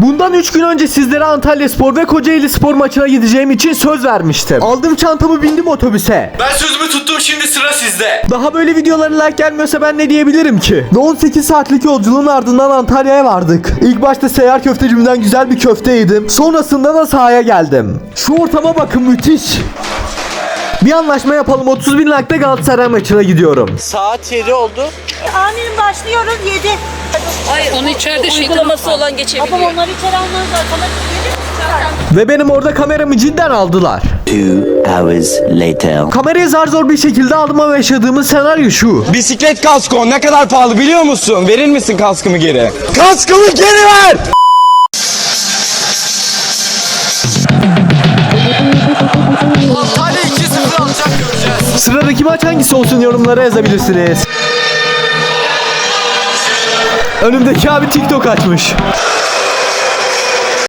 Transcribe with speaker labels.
Speaker 1: Bundan 3 gün önce sizlere Antalyaspor ve Kocaelispor maçına gideceğim için söz vermiştim. Aldım çantamı, bindim otobüse.
Speaker 2: Ben sözümü tuttum, şimdi sıra sizde.
Speaker 1: Daha böyle videolara like gelmiyorsa ben ne diyebilirim ki? Ve 18 saatlik yolculuğun ardından Antalya'ya vardık. İlk başta seyyar köftecimden güzel bir köfte yedim. Sonrasında da sahaya geldim. Şu ortama bakın, müthiş. Bir anlaşma yapalım. 30.000 like'da Galatasaray maçına gidiyorum.
Speaker 2: Saat 7 oldu.
Speaker 3: Amirim başlıyoruz 7.
Speaker 4: Hayır, onu içeride uygulaması olan geçebiliyor.
Speaker 3: Ama onları içeri almanız arkadaş 7.
Speaker 1: Ve benim orada kameramı cidden aldılar.
Speaker 5: 2 hours later.
Speaker 1: Kamerayı zar zor bir şekilde aldım ama yaşadığımız senaryo şu.
Speaker 6: Bisiklet kasko ne kadar pahalı biliyor musun? Verir misin kaskımı geri? Kaskımı geri ver!
Speaker 2: Antalya 2-0 alacak, göreceğiz.
Speaker 1: Sıradaki maç hangisi olsun yorumlara yazabilirsiniz. Önümdeki abi TikTok açmış.